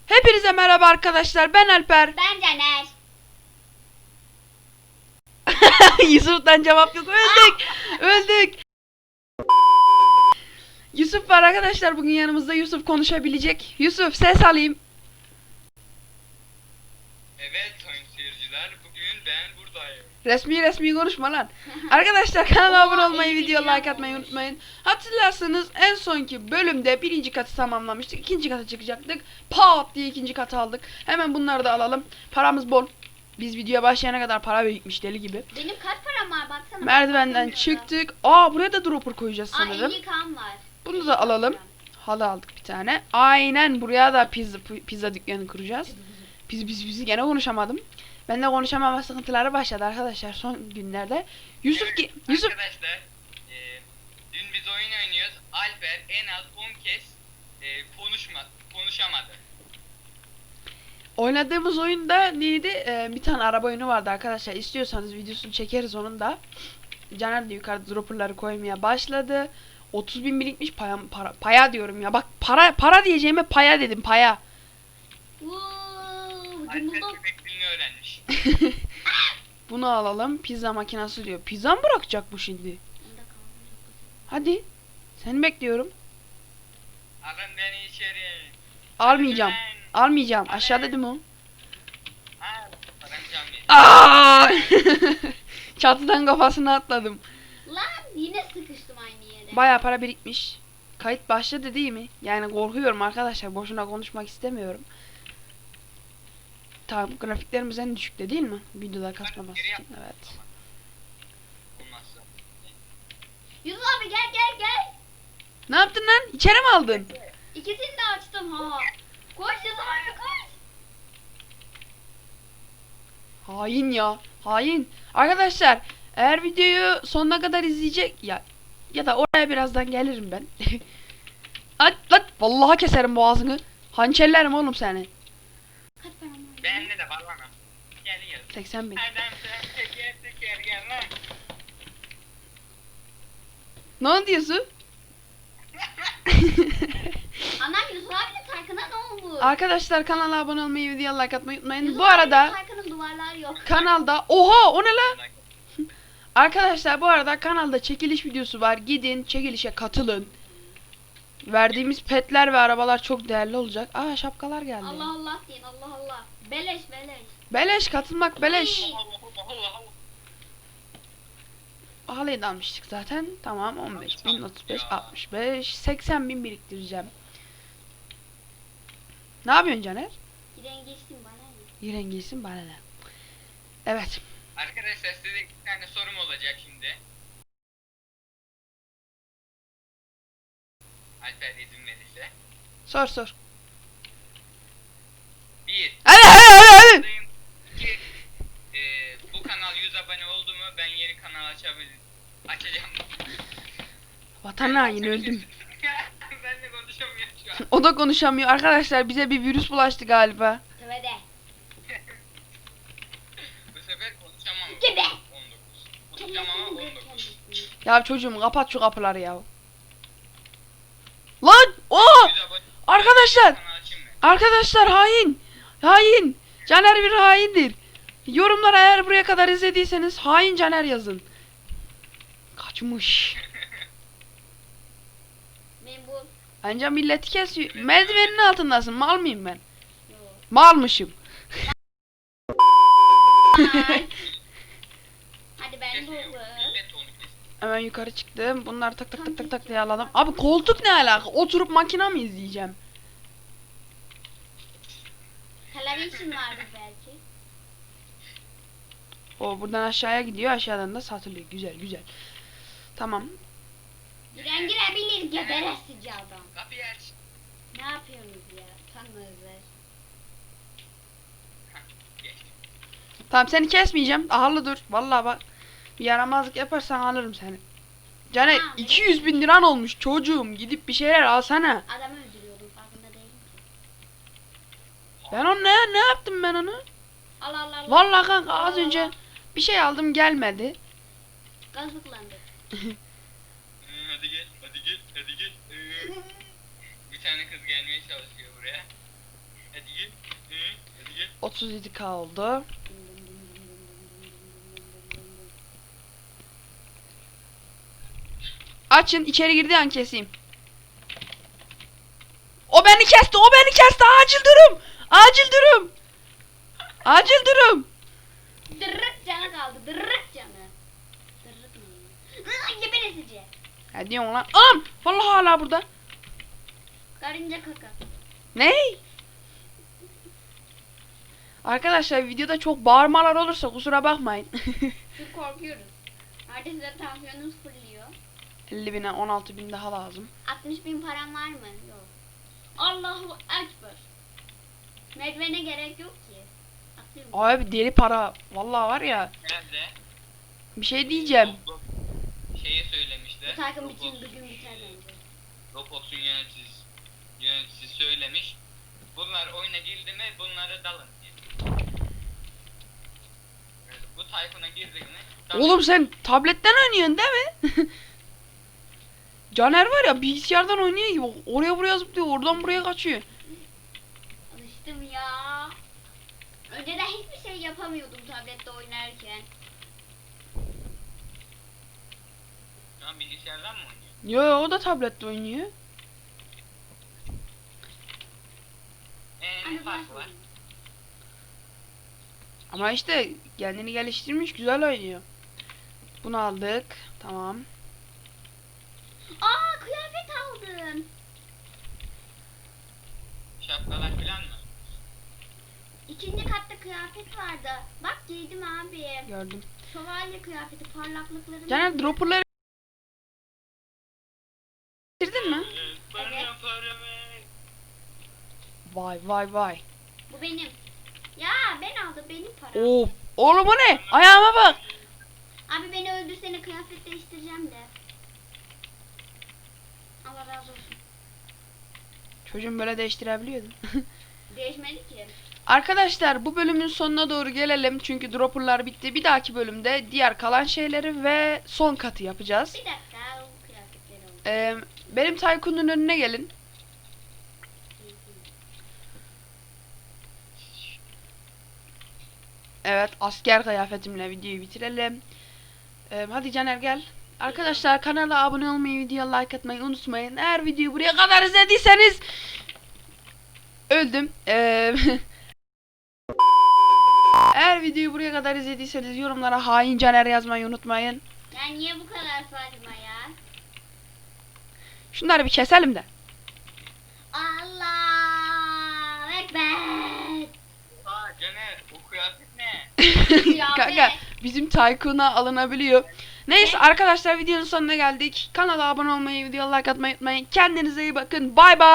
Hepinize merhaba arkadaşlar. Ben Alper. Ben Caner. Yusuf'tan cevap yok. Öldük. Öldük. Yusuf var arkadaşlar bugün yanımızda. Yusuf konuşabilecek. Yusuf ses alayım. Evet sayın seyirciler, bugün ben buradayım. Resmi konuşma lan. Arkadaşlar kanala abone olmayı, iyi video bir plan like atmayı olmuş. unutmayın. Hatırlarsanız en sonki bölümde birinci katı tamamlamıştık. İkinci kata çıkacaktık. Pat diye ikinci katı aldık. Hemen bunları da alalım. Paramız bol. Biz videoya başlayana kadar para birikmiş deli gibi. Benim kaç param var baksana. Merdivenden çıktık. Buraya da dropper koyacağız sanırım. 50 kan var. Bunu da alalım. Halı aldık bir tane. Aynen buraya da pizza dükkanı kuracağız. Biz gene konuşamadım. Ben de konuşamama sıkıntıları başladı arkadaşlar son günlerde. Yusuf Arkadaşlar, dün biz oyun oynuyoruz. Alper en az 10 kez konuşamadı. oynadığımız oyunda neydi? Bir tane araba oyunu vardı arkadaşlar. İstiyorsanız videosunu çekeriz onun da. Caner de yukarıda dropperları koymaya başladı. 30.000 birikmiş paya diyorum ya. Bak para diyeceğime paya dedim paya. Alper köpek dilini öğrenmiş. Bunu alalım. Pizza makinesi diyor. Pizza mı bırakacak bu şimdi? Hadi. Seni bekliyorum. Alın beni içeri. Almayacağım. Ben- Almayacağım. Aşağı dedim o. Al. Param canlı. Aa! Çatıdan kafasına atladım. Lan yine sıkıştım aynı yere. Bayağı para birikmiş. Kayıt başladı değil mi? Yani korkuyorum arkadaşlar. Boşuna konuşmak istemiyorum. Tamam, grafiklerimiz en düşükte değil mi? Videoda kasmaması için. Evet. Olmazsa. Yusuf abi gel. Ne yaptın lan? İçeri mi aldın? İkisini de açtım ha. Koş Yusuf abi koş. Hain ya. Hain. Arkadaşlar eğer videoyu sonuna kadar izleyecek ya da oraya birazdan gelirim ben. Lan vallahi keserim boğazını. Hançerlerim oğlum seni. Kaç param var? Bende de var lan. Gel gel. 80.000. Adam sen teker gel lan. Ne oldu diyorsun? Anam Yusuf abinin Tarkan'a ne olmuş? Arkadaşlar kanala abone olmayı, video like atmayı unutmayın. Yusuf Bu abinin arada Tarkan'ın duvarları yok. kanalda oha o ne lan? Arkadaşlar bu arada kanalda çekiliş videosu var. Gidin çekilişe katılın. Verdiğimiz petler ve arabalar çok değerli olacak. Şapkalar geldi. Allah Allah deyin Allah. Beleş. Beleş katılmak beleş. İyi. Allah. Halıyı da almıştık zaten. Tamam 15.000, 35, 65, 80.000 biriktireceğim. Ne yapıyorsun Caner? Rengeçtim bana ne? İyi rengiysin bana ne? Evet. Arkadaşlar size iki tane sorum olacak şimdi. Alper izin verirse. Sor. 1. Hadi. 2. Bu kanal 100 abone oldu mu ben yeni kanal açacağım. Vatan haini öldüm. Ben de konuşamıyorum şu an. O da konuşamıyor. Arkadaşlar bize bir virüs bulaştı galiba. Tövbe. Bu sefer konuşamam. Gibi. 19. Konuşamam ama 19. Ya çocuğum kapat şu kapıları ya. Lan! 100 abone. Arkadaşlar! Kanal açayım mı? Arkadaşlar hain! Hain! Caner bir haindir. Yorumlara eğer buraya kadar izlediyseniz hain Caner yazın. Kaçmış. Ben bu. Bence milleti kesiyor. Merdivenin altındasın. Mal mıyım ben? Yok. Malmışım. Ay. Hadi ben bu. Millet onu kesin. Hemen yukarı çıktım. Bunları tak diye alalım. Abi koltuk ne alaka? Oturup makina mı izleyeceğim? Televizyon vardı belki. O buradan aşağıya gidiyor. Aşağıdan da satılıyor. Güzel. Tamam. Girebilir geberesici adam. Kapıyı aç. Ne yapıyorsunuz ya? Tanrılar. Geç. Tamam seni kesmeyeceğim. Ahırlı dur. Vallahi bak. Bir yaramazlık yaparsan alırım seni. Caner Tamam, 200.000 liran olmuş çocuğum. Gidip bir şeyler alsana. Adamı öldürüyordum farkında değilim ki. Ben onu ne yaptım ben onu? Allah. Vallahi kanka az Allah. önce bir şey aldım gelmedi. Gazlıklandı. Hadi gel. Bir tane kız gelmeye çalışıyor buraya. Hadi git. Hadi git. 37k oldu. Açın, içeri girdiği an keseyim. O beni kesti, o beni kesti. Acil durum. Acil durum. Acil durum. Dırırık canı kaldı. Dırırık canı. Dırırık mı? Geberesici. Ne diyorsun lan? Anam! Vallahi hala burada. Karınca kaka. Ne? Arkadaşlar videoda çok bağırmalar olursa kusura bakmayın. Çünkü korkuyoruz. Neredeyse tansiyonum fırlıyor. 50.000'e 16.000 daha lazım. 60.000 param var mı? Yok. Allahu Ekber. Merdivene gerek yok ki. Atlıyorum. Abi deli para. Vallahi var ya. Nerede? Bir şey diyeceğim. Şeyi söylemişler. Bu takım için bugün biter bence. Roblox'un yöneticisi söylemiş. Bunlar oyuna girdi mi bunları dalın diye. Bu Tayfun'a girdi mi? dalın. Oğlum sen tabletten oynuyorsun değil mi? Caner var ya bilgisayardan oynuyor gibi. Oraya buraya zıplıyor. Oradan buraya kaçıyor. Alıştım ya. Önceden hiçbir şey yapamıyordum tablette oynarken. Şu an bilgisayardan mı oynuyor? Yo o da tablette oynuyor. Ne farkı var? Ama işte kendini geliştirmiş güzel oynuyor. Bunu aldık. Tamam. Aa, kıyafet aldım. Şapkalar falan mı? İkinci katta kıyafet vardı. Bak giydim abi. Gördüm. Şövalye kıyafeti, parlaklıklarım. Caner dropperları bitirdin mi? Evet. Vay vay vay. Bu benim. Ya ben aldım, benim param. Of. Oğlum o ne? Ayağıma bak. Abi beni öldürsene, kıyafet değiştireceğim de. Allah razı olsun. Çocuğum böyle değiştirebiliyordum. Değişmedi ki. Arkadaşlar bu bölümün sonuna doğru gelelim. Çünkü dropperlar bitti. Bir dahaki bölümde diğer kalan şeyleri ve son katı yapacağız. Bir dakika, o kıyafetleri oldu. Benim Tycoon'un önüne gelin. Evet asker kıyafetimle videoyu bitirelim. Hadi Caner gel. Arkadaşlar kanala abone olmayı, videoya like atmayı unutmayın. Eğer videoyu buraya kadar izlediyseniz öldüm. Eğer videoyu buraya kadar izlediyseniz yorumlara hain Caner yazmayı unutmayın. Ya niye bu kadar saçma ya? Şunları bir keselim de. Allah Ekber. Aa Caner o kıyafet ne? Kanka bizim Tycoon'a alınabiliyor. Neyse arkadaşlar videonun sonuna geldik. Kanala abone olmayı, videoya like atmayı unutmayın. Kendinize iyi bakın. Bay bay.